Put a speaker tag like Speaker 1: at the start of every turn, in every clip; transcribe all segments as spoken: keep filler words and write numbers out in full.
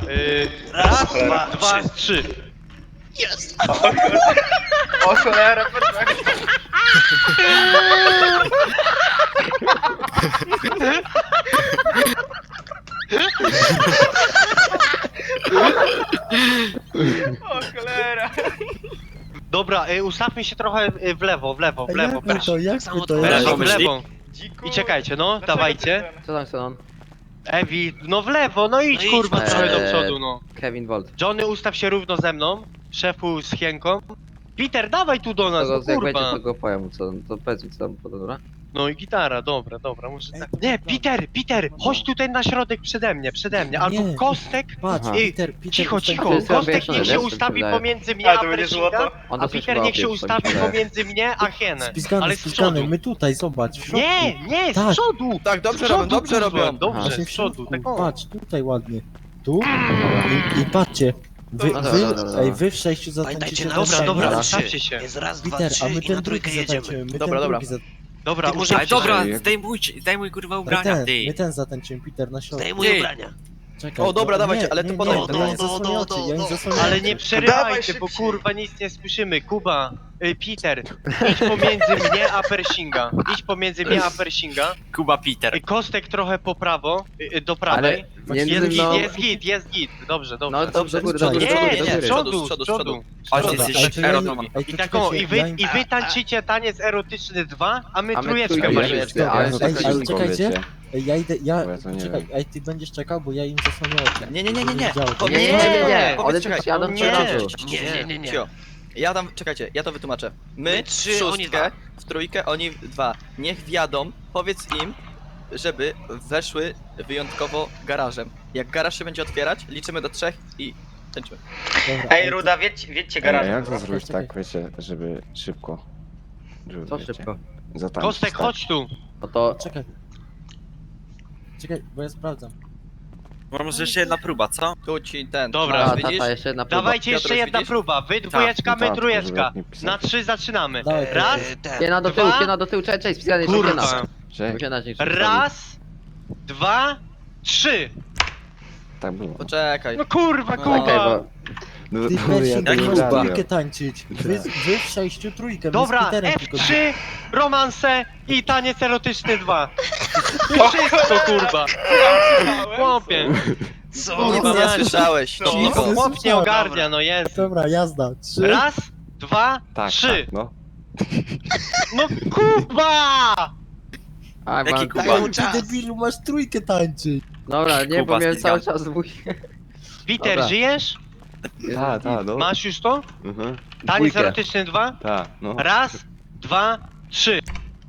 Speaker 1: Yy, raz, dwa, dwa, trzy.
Speaker 2: Jest!
Speaker 3: O cholera, perfekto. O cholera.
Speaker 1: Dobra, y, ustawmy się trochę y, w lewo, w lewo, w lewo.
Speaker 4: Jak my to, jak
Speaker 2: samo
Speaker 4: my to,
Speaker 2: to
Speaker 1: W
Speaker 4: jak
Speaker 1: lewo, w
Speaker 2: myśli?
Speaker 1: lewo.
Speaker 3: Dziku.
Speaker 1: I czekajcie, no,
Speaker 3: Dlaczego
Speaker 1: dawajcie.
Speaker 3: ty ten-
Speaker 5: Co tam, co tam?
Speaker 1: Ewi, no w lewo, no idź
Speaker 2: No idź,
Speaker 1: kurwa
Speaker 2: no.
Speaker 1: trochę do
Speaker 5: Eee.
Speaker 1: przodu, no.
Speaker 5: Kevin Volt.
Speaker 1: Johnny, ustaw się równo ze mną. Szefu z Hienką. Peter, dawaj tu do nas,
Speaker 5: To,
Speaker 1: no
Speaker 5: to, jak będzie,
Speaker 1: kurwa.
Speaker 5: to go powiem, co, to powiedz mi co tam, to dobra?
Speaker 1: No i gitara, dobra, dobra, muszę
Speaker 4: Ej,
Speaker 1: tak.
Speaker 4: to
Speaker 1: Nie,
Speaker 4: dobra.
Speaker 1: Peter, Peter, chodź tutaj na środek przede mnie, przede mnie. Albo
Speaker 4: Nie.
Speaker 1: Kostek.
Speaker 4: Patrz,
Speaker 5: Aha.
Speaker 4: Peter, Peter,
Speaker 1: Cicho,
Speaker 4: ustań-
Speaker 1: cicho,
Speaker 5: jest
Speaker 1: Kostek
Speaker 5: wiesz,
Speaker 1: niech
Speaker 5: wiesz,
Speaker 1: się
Speaker 5: co mi
Speaker 1: ustawi
Speaker 5: wydaje.
Speaker 1: pomiędzy mnie
Speaker 3: A,
Speaker 1: a
Speaker 3: to będzie
Speaker 1: Pershinga,
Speaker 3: złoto?
Speaker 5: On
Speaker 1: a
Speaker 5: to coś
Speaker 1: Peter
Speaker 5: chyba
Speaker 1: niech się
Speaker 5: opieprz,
Speaker 1: ustawi
Speaker 5: coś mi wydaje.
Speaker 1: pomiędzy mnie a Hienę.
Speaker 4: Spiskany,
Speaker 1: Ale z
Speaker 4: spiskany,
Speaker 1: przodu.
Speaker 4: my tutaj, zobacz, w środku.
Speaker 1: Nie, nie, z
Speaker 4: Tak.
Speaker 1: przodu!
Speaker 6: Tak,
Speaker 1: Z
Speaker 6: dobrze
Speaker 1: przodu,
Speaker 6: robią, dobrze
Speaker 1: kurwa,
Speaker 6: robią.
Speaker 1: Dobrze,
Speaker 4: Właśnie
Speaker 1: z
Speaker 4: w
Speaker 1: przodu,
Speaker 4: środku,
Speaker 1: tak o.
Speaker 4: patrz, tutaj ładnie. Tu i, i patrzcie. Wy,
Speaker 5: No dobra,
Speaker 4: wy,
Speaker 5: dobra, dobra.
Speaker 4: ej, wy w sześciu
Speaker 2: Pamiętajcie,
Speaker 4: zatańczycie
Speaker 2: na
Speaker 4: na
Speaker 1: Dobra,
Speaker 2: Dobra,
Speaker 1: dobra,
Speaker 2: dobra.
Speaker 1: ustawcie się.
Speaker 2: Jest raz, dwa,
Speaker 4: Peter,
Speaker 2: trzy
Speaker 4: a my
Speaker 2: i na
Speaker 4: ten drugi
Speaker 2: trójkę jedziemy.
Speaker 4: zatańczymy, my
Speaker 6: Dobra,
Speaker 4: ten
Speaker 6: dobra.
Speaker 4: drugi zatańczymy.
Speaker 1: Dobra,
Speaker 2: Ty
Speaker 1: ustawcie
Speaker 2: muszę-
Speaker 1: się.
Speaker 7: Dobra, zdejmuj, zdejmuj kurwa ubrania,
Speaker 4: ten,
Speaker 7: ty.
Speaker 4: my ten zatańczymy, Peter, na środku.
Speaker 2: Zdejmuj
Speaker 7: Ty.
Speaker 2: ubrania.
Speaker 4: Czekaj,
Speaker 6: O, dobra,
Speaker 4: no,
Speaker 6: dawajcie,
Speaker 4: nie,
Speaker 6: ale to
Speaker 4: nie,
Speaker 6: potem,
Speaker 4: nie,
Speaker 6: to
Speaker 4: ja im
Speaker 2: potem.
Speaker 4: zasłonię
Speaker 2: Do,
Speaker 4: oczy,
Speaker 2: do,
Speaker 4: ja im
Speaker 2: do,
Speaker 4: zasłonię
Speaker 1: Ale
Speaker 4: oczy.
Speaker 1: nie
Speaker 3: Dawaj
Speaker 1: przerywajcie, bo
Speaker 3: szybciej.
Speaker 1: kurwa nic nie słyszymy. Kuba, y, Peter, idź pomiędzy mnie a Pershinga. Idź pomiędzy mnie a Pershinga.
Speaker 7: Kuba Peter.
Speaker 1: Y, Kostek trochę po prawo, y, y, do prawej.
Speaker 5: między
Speaker 1: Jest git,
Speaker 5: mną...
Speaker 1: jest git, jest git. Dobrze, dobrze.
Speaker 5: No dobrze, góry, do
Speaker 4: Nie,
Speaker 5: góry, do
Speaker 1: Nie,
Speaker 5: góry, do
Speaker 1: z
Speaker 5: góry.
Speaker 1: przodu,
Speaker 6: z przodu,
Speaker 1: z
Speaker 6: z przodu.
Speaker 1: przodu.
Speaker 7: Ale ty
Speaker 4: Dobra,
Speaker 7: jesteś
Speaker 4: ej, to ja im-
Speaker 7: erotowy.
Speaker 4: ej,
Speaker 1: I
Speaker 4: to
Speaker 1: tak o, i wy,
Speaker 4: czekajcie, ja im-
Speaker 1: i wy tańczycie taniec erotyczny dwa, a my
Speaker 5: A my
Speaker 1: trójeczkę
Speaker 5: trójkę
Speaker 1: walimy.
Speaker 5: jeszcze, ale
Speaker 4: Ej,
Speaker 5: tak
Speaker 4: ale
Speaker 5: szybko,
Speaker 4: czekajcie,
Speaker 5: wiecie.
Speaker 4: ej, ja idę, ja,
Speaker 8: Bo ja to nie
Speaker 4: czekaj,
Speaker 8: wiem.
Speaker 4: ej, ty będziesz czekał, bo ja im zasłonię oczy.
Speaker 6: Nie, nie, nie, nie, nie.
Speaker 4: Widział,
Speaker 6: Po-
Speaker 1: Nie,
Speaker 5: Nie, nie, nie, nie,
Speaker 6: Powiedz,
Speaker 5: one
Speaker 6: czekaj.
Speaker 5: tylko jadą
Speaker 1: Nie.
Speaker 5: w przodu.
Speaker 2: Nie, nie, nie, nie.
Speaker 6: Cio. Ja tam, czekajcie, ja to wytłumaczę. My,
Speaker 2: My trzy,
Speaker 6: w
Speaker 2: oni
Speaker 6: szóstkę,
Speaker 2: dwa.
Speaker 6: w trójkę, oni w dwa. Niech wjadą, powiedz im, żeby weszły wyjątkowo garażem. Jak garaż się będzie otwierać, liczymy do trzech i tańczymy.
Speaker 4: Dobra,
Speaker 3: Ej,
Speaker 4: to-
Speaker 3: Ruda, wiedźcie, wiedźcie
Speaker 8: Ej, a
Speaker 3: garaż.
Speaker 8: jak to zrobić
Speaker 4: Czekaj.
Speaker 8: tak, wiecie, żeby szybko? Żeby,
Speaker 5: Co
Speaker 8: wiecie,
Speaker 5: szybko?
Speaker 8: Zatańczyć,
Speaker 1: Kostek,
Speaker 8: tak?
Speaker 1: chodź tu.
Speaker 5: No to...
Speaker 4: Czekaj. Czekaj, bo ja sprawdzam.
Speaker 7: Może jeszcze jedna próba, co?
Speaker 6: Tu ci ten.
Speaker 1: Dobra.
Speaker 5: A,
Speaker 6: masz, widzisz?
Speaker 5: tata, jeszcze jedna próba.
Speaker 1: Dawajcie jeszcze
Speaker 6: Piotrek,
Speaker 1: jedna
Speaker 6: widzisz?
Speaker 1: próba. Wy dwójeczka,
Speaker 8: No
Speaker 1: my
Speaker 8: tak,
Speaker 1: trójeczka.
Speaker 8: żeby jak nie pisać.
Speaker 1: Na trzy zaczynamy.
Speaker 4: Dawaj,
Speaker 1: Raz,
Speaker 2: E, ten.
Speaker 5: Piena do tyłu,
Speaker 1: Dwa.
Speaker 5: piena do tyłu, czekaj, czekaj, spiskany, jeszcze piena.
Speaker 1: kurwa.
Speaker 8: Że?
Speaker 5: Piena się jeszcze
Speaker 1: Raz, dwa, trzy.
Speaker 8: Tak było.
Speaker 6: Poczekaj.
Speaker 1: No kurwa,
Speaker 6: No,
Speaker 5: Okej,
Speaker 1: kurwa.
Speaker 5: bo...
Speaker 8: No,
Speaker 4: Ty
Speaker 8: no,
Speaker 4: Persing,
Speaker 7: jak
Speaker 4: ty
Speaker 7: nie
Speaker 4: masz
Speaker 7: próba.
Speaker 4: trójkę tańczyć. Wy, wy w sześciu trójkę, my z
Speaker 1: Dobra,
Speaker 4: Peterem
Speaker 1: F
Speaker 4: tylko.
Speaker 1: trzy, romanse i taniec erotyczny dwa. Wszystko kurwa. Chłopie.
Speaker 2: Co?
Speaker 6: Nic
Speaker 1: Kurwa,
Speaker 6: nie
Speaker 1: Maciek.
Speaker 6: słyszałeś.
Speaker 3: No.
Speaker 6: Cicho.
Speaker 1: Chłop nie ogarnia, no jest.
Speaker 4: Dobra, jazda. Trzy.
Speaker 1: Raz, dwa,
Speaker 8: Tak,
Speaker 1: trzy.
Speaker 8: tak, no.
Speaker 1: No kurwa!
Speaker 5: A,
Speaker 7: Jaki
Speaker 5: mam...
Speaker 7: Kuba?
Speaker 4: Ej, ty debilu, masz trójkę tańczyć.
Speaker 5: Dobra, nie,
Speaker 7: Kuba
Speaker 5: bo miałem cały
Speaker 7: spiskany.
Speaker 5: czas dwóch...
Speaker 1: Peter,
Speaker 5: Dobra.
Speaker 1: żyjesz?
Speaker 8: Tak, tak, no.
Speaker 1: Masz już to?
Speaker 8: Mhm.
Speaker 1: Taniec
Speaker 5: Dwójkę.
Speaker 1: erotyczny dwa?
Speaker 8: Tak, no.
Speaker 1: Raz, dwa, trzy.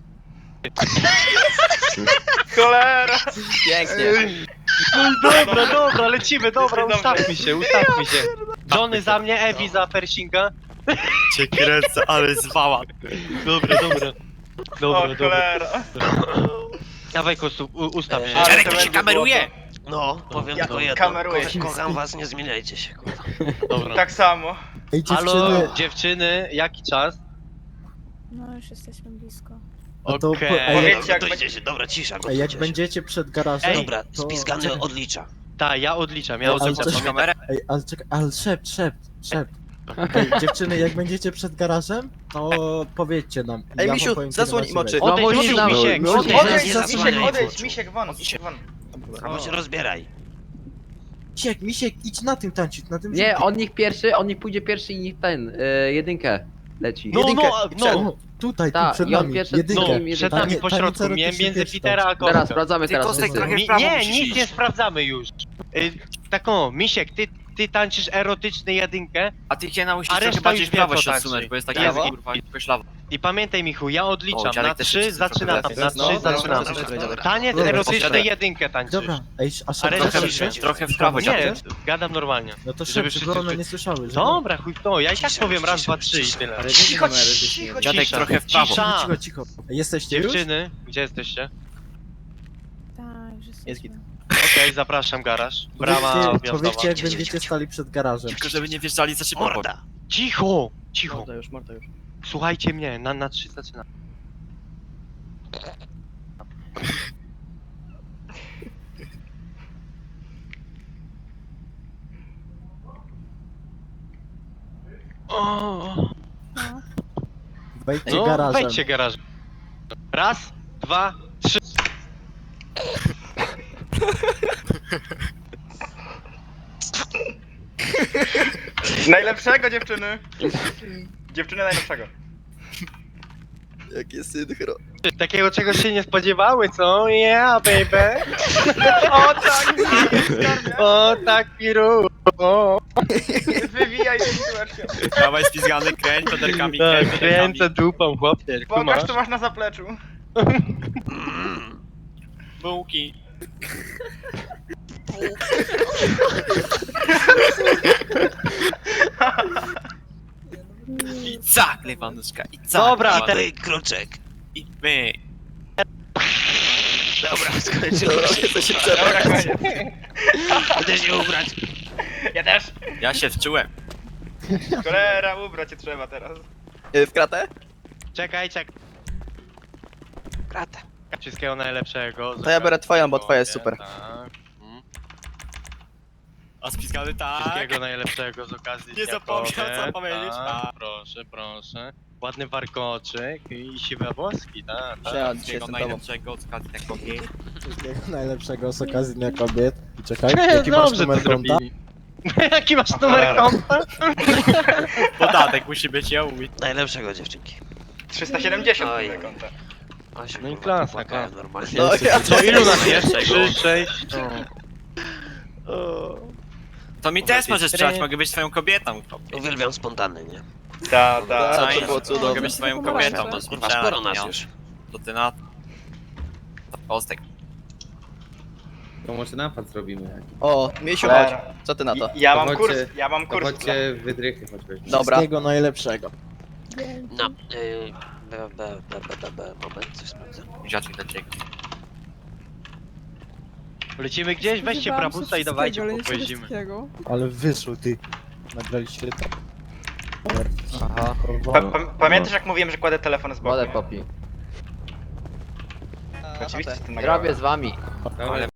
Speaker 6: Cholera. Pięknie.
Speaker 1: No dobra, dobra, lecimy, dobra,
Speaker 3: Dobrze.
Speaker 1: ustawmy się, ustawmy się. Johnny za mnie, Ewi za Pershinga.
Speaker 7: Cię kręcę, ale zwała.
Speaker 1: Dobra, dobra.
Speaker 3: O
Speaker 1: Dobra, dobra.
Speaker 3: cholera.
Speaker 1: Dawaj Kostu, u- ustaw się.
Speaker 2: Eee,
Speaker 3: Ale
Speaker 7: Czarek,
Speaker 3: to
Speaker 7: to się
Speaker 3: będzie
Speaker 7: kameruje!
Speaker 2: No, powiem
Speaker 3: Ja
Speaker 2: tylko jedno.
Speaker 3: kameruję
Speaker 2: Ko
Speaker 3: się.
Speaker 2: kocham was, nie zmieniajcie się, kurwa.
Speaker 1: Dobra.
Speaker 3: Tak samo.
Speaker 4: Ej,
Speaker 1: Halo,
Speaker 4: dziewczyny.
Speaker 1: dziewczyny, jaki czas?
Speaker 9: No już jesteśmy blisko.
Speaker 4: A to
Speaker 1: Okej.
Speaker 4: po- ej,
Speaker 3: Powiedzcie,
Speaker 2: Dobra,
Speaker 3: jak
Speaker 2: to
Speaker 3: będzie-
Speaker 2: idzie się, dobra, cisza,
Speaker 4: Ej,
Speaker 2: gotujcie
Speaker 4: jak
Speaker 2: się.
Speaker 4: będziecie przed garażem,
Speaker 1: Ej,
Speaker 2: Dobra,
Speaker 4: to...
Speaker 2: spizgany
Speaker 4: czekaj.
Speaker 2: odlicza.
Speaker 1: Tak, ja odliczam, ja
Speaker 4: Ale
Speaker 1: odliczam.
Speaker 4: coś-
Speaker 1: Pamiętaj.
Speaker 7: kamerę?
Speaker 4: Ej, ale czekaj, ale szept, szept, szept. Ej, dziewczyny, jak będziecie przed garażem, to powiedzcie nam.
Speaker 6: Ej,
Speaker 4: Ja
Speaker 6: Misiu,
Speaker 4: wam powiem, kiedy
Speaker 6: zasłoń
Speaker 4: macie
Speaker 6: im oczy.
Speaker 4: wejść.
Speaker 5: No,
Speaker 1: Odejdź,
Speaker 5: musisz
Speaker 1: Misiu,
Speaker 5: nam-
Speaker 1: Misiek,
Speaker 5: no,
Speaker 1: odejdź.
Speaker 5: nie
Speaker 3: Odejdź,
Speaker 2: nie
Speaker 3: Misiek,
Speaker 2: zasłaniaj
Speaker 3: odejdź,
Speaker 2: oczu.
Speaker 3: Misiek won, Misiek won.
Speaker 2: Albo się rozbieraj.
Speaker 4: Misiek, Misiek, idź na tym tańczyć, na tym
Speaker 5: Nie,
Speaker 4: żółtym.
Speaker 5: on niech pierwszy, on niech pójdzie pierwszy i niech ten, y, jedynkę leci.
Speaker 1: No,
Speaker 6: Jedynkę
Speaker 1: no,
Speaker 6: i przed.
Speaker 1: no.
Speaker 4: O, tutaj, tu
Speaker 5: Tak,
Speaker 4: przed
Speaker 5: i on
Speaker 4: nami,
Speaker 5: pierwszy-
Speaker 4: jedynkę.
Speaker 1: No,
Speaker 5: Jedynkę.
Speaker 1: przed
Speaker 4: Tanie-
Speaker 1: nami po
Speaker 4: taniec
Speaker 1: środku, mie-
Speaker 4: erotyczny
Speaker 1: między
Speaker 4: pierwszy
Speaker 1: Petera a
Speaker 4: tańczy.
Speaker 5: Teraz
Speaker 1: Kostka.
Speaker 5: sprawdzamy
Speaker 7: Ty,
Speaker 5: teraz.
Speaker 7: Kostek,
Speaker 5: wszyscy.
Speaker 7: trochę w
Speaker 1: Mi,
Speaker 7: prawo
Speaker 1: nie,
Speaker 7: musisz
Speaker 1: nic
Speaker 7: iść.
Speaker 1: nie sprawdzamy już. Y, tak o, Misiek, ty, ty tańczysz erotyczny jedynkę
Speaker 7: A ty Kiena musisz
Speaker 1: A
Speaker 7: trochę
Speaker 1: reszta
Speaker 7: bardziej
Speaker 1: już
Speaker 7: w prawo
Speaker 1: wie, co
Speaker 7: się
Speaker 1: tańczy.
Speaker 7: odsunąć, bo jest taka
Speaker 1: Prawo?
Speaker 7: kurwa, jakoś lawa.
Speaker 1: i pamiętaj Michu, ja
Speaker 7: O,
Speaker 1: odliczam,
Speaker 7: dziadek
Speaker 1: na
Speaker 7: też
Speaker 1: trzy
Speaker 7: jest trochę
Speaker 1: zaczynamy,
Speaker 7: lepiej.
Speaker 1: na
Speaker 6: No,
Speaker 1: trzy
Speaker 6: dobra,
Speaker 1: zaczynamy.
Speaker 6: dobra, dobra, dobra.
Speaker 1: Taniec
Speaker 4: Dobra,
Speaker 1: erotyczny
Speaker 7: poczekaj.
Speaker 1: jedynkę tańczysz.
Speaker 4: Dobra, ej, a
Speaker 1: A
Speaker 4: szef,
Speaker 1: reszta
Speaker 4: szef,
Speaker 1: już
Speaker 4: szef,
Speaker 1: wie.
Speaker 7: Trochę w prawo,
Speaker 1: Nie,
Speaker 7: dziadek.
Speaker 1: gadam normalnie.
Speaker 4: No to
Speaker 1: Żeby
Speaker 4: szef,
Speaker 1: wszyscy
Speaker 4: żeby one
Speaker 1: sły-
Speaker 4: nie słyszały, że...
Speaker 1: Dobra, chuj w to, ja i tak
Speaker 2: Cisza,
Speaker 1: powiem raz,
Speaker 2: cisza,
Speaker 1: dwa, trzy i
Speaker 2: cisza.
Speaker 1: tyle.
Speaker 3: Cicho, cicho,
Speaker 7: Dziadek
Speaker 1: Cisza.
Speaker 7: trochę w prawo.
Speaker 1: Cisza.
Speaker 4: Cicho, cicho. Jesteście już?
Speaker 1: Dziewczyny, gdzie jesteście?
Speaker 9: Tak, już
Speaker 6: Jest
Speaker 9: jesteśmy.
Speaker 6: git.
Speaker 1: Okej, zapraszam garaż. Brama
Speaker 4: Powiedzcie,
Speaker 1: wjazdowa.
Speaker 4: powiedzcie, jak
Speaker 2: Cicho,
Speaker 4: będziecie
Speaker 2: cicho.
Speaker 4: stali przed garażem.
Speaker 7: Tylko żeby nie wjeżdżali za szybko.
Speaker 2: Morda.
Speaker 1: Cicho, cicho.
Speaker 6: Morda już, morda już.
Speaker 1: Słuchajcie mnie, na, na trzy zaczynam. O,
Speaker 9: No.
Speaker 4: Wejdźcie
Speaker 1: no,
Speaker 4: garażem.
Speaker 1: wejdźcie garażem. Raz, dwa, trzy.
Speaker 3: Najlepszego dziewczyny. Dziewczyny najlepszego.
Speaker 6: Jakie synchro.
Speaker 1: Takiego czegoś się nie spodziewały, co? Yeah, baby.
Speaker 3: O tak!
Speaker 1: O, tak, piru. O,
Speaker 3: Wywijaj sytuację.
Speaker 7: Dawaj spizgany, kręć, poderkami,
Speaker 1: tak,
Speaker 7: kręć,
Speaker 1: kręcę dupą, chłopie.
Speaker 3: Pokaż
Speaker 1: Kumasz?
Speaker 3: co masz na zapleczu.
Speaker 7: bułki. I cak, lewanuszka, i cak.
Speaker 1: Dobra,
Speaker 7: lewanuszka.
Speaker 1: teraz-
Speaker 2: Ty, kruczek.
Speaker 7: I my.
Speaker 2: Dobra, skończyło się.
Speaker 6: To się
Speaker 3: Dobra,
Speaker 6: przebrać.
Speaker 3: koniec.
Speaker 2: Będę się ubrać.
Speaker 3: Ja też.
Speaker 7: Ja się wczułem.
Speaker 3: Cholera, ubrać cię trzeba teraz.
Speaker 6: Y, W kratę?
Speaker 1: Czekaj, czekaj.
Speaker 2: Krata.
Speaker 1: Wszystkiego najlepszego.
Speaker 6: To ja biorę twoją, bo twoja jest
Speaker 1: Tak.
Speaker 6: super.
Speaker 1: Mm.
Speaker 7: A spizgany tak.
Speaker 1: Wszystkiego najlepszego z okazji
Speaker 7: Nie
Speaker 1: Dnia
Speaker 7: zapomniał, co
Speaker 1: Kobiet,
Speaker 7: powiedzieć.
Speaker 1: tak. Proszę, proszę. Ładny warkoczyk i siwe włoski, tak. tak.
Speaker 6: Ja dzisiaj
Speaker 7: Wszystkiego
Speaker 6: jestem tobą.
Speaker 7: najlepszego z okazji Dnia Kobiet.
Speaker 4: Wszystkiego najlepszego z okazji Dnia Kobiet. I czekaj,
Speaker 1: Nie,
Speaker 4: jaki masz
Speaker 1: dobrze to
Speaker 4: numer konta?
Speaker 1: zrobili. Jaki masz numer konta?
Speaker 7: Podatek musi być, ja mówię.
Speaker 2: Najlepszego dziewczynki.
Speaker 3: trzysta siedemdziesiąt
Speaker 2: Oj.
Speaker 3: na konta.
Speaker 2: O, się
Speaker 1: No i
Speaker 2: kurwa
Speaker 1: klasa,
Speaker 2: popłakałem
Speaker 1: klasa.
Speaker 2: normalnie.
Speaker 6: No ja
Speaker 1: Co, ilu nas jest?
Speaker 7: Najlepszego.
Speaker 1: Trzy, sześć. O.
Speaker 7: To mi też możesz strzelać, mogę być twoją kobietą.
Speaker 2: Uwielbiam spontany, nie?
Speaker 3: Ta, ta.
Speaker 6: Tak,
Speaker 7: Fajnie,
Speaker 6: to było cudowne.
Speaker 7: Mogę być twoją
Speaker 9: Kurwa,
Speaker 7: kobietą,
Speaker 9: kurwa,
Speaker 7: możesz mi
Speaker 2: Kurwa,
Speaker 7: strzelać,
Speaker 2: sporo nas
Speaker 7: nie?
Speaker 2: już.
Speaker 7: To ty na... Ostek.
Speaker 10: To może napad zrobimy.
Speaker 6: O, Miesiu, chodź.
Speaker 3: Cholera.
Speaker 6: Co ty na to?
Speaker 3: Ja
Speaker 10: To
Speaker 3: mam
Speaker 10: chodźcie-
Speaker 3: kurs, ja mam
Speaker 10: To
Speaker 3: kurs.
Speaker 10: chodźcie wydrychy choćby.
Speaker 6: Dobra.
Speaker 4: Wszystkiego najlepszego.
Speaker 2: No, yy, b, b, b, b, b, b, moment, coś sprawdzę.
Speaker 7: Dziadki do ciebie.
Speaker 1: Lecimy gdzieś, weźcie
Speaker 9: Spodziewałam się
Speaker 1: prabusa i dawajcie,
Speaker 9: wszystkiego, ale nie
Speaker 1: pojeździmy.
Speaker 9: wszystkiego.
Speaker 4: Ale wyszło ty. Nagraliście to.
Speaker 5: Aha,
Speaker 3: Pa, pa, pamiętasz jak mówiłem, że kładę telefon z boku?
Speaker 5: wodę popi.
Speaker 3: Oczywiście, ty nagrałem.
Speaker 5: Robię z wami.
Speaker 10: Dobra,
Speaker 7: Ale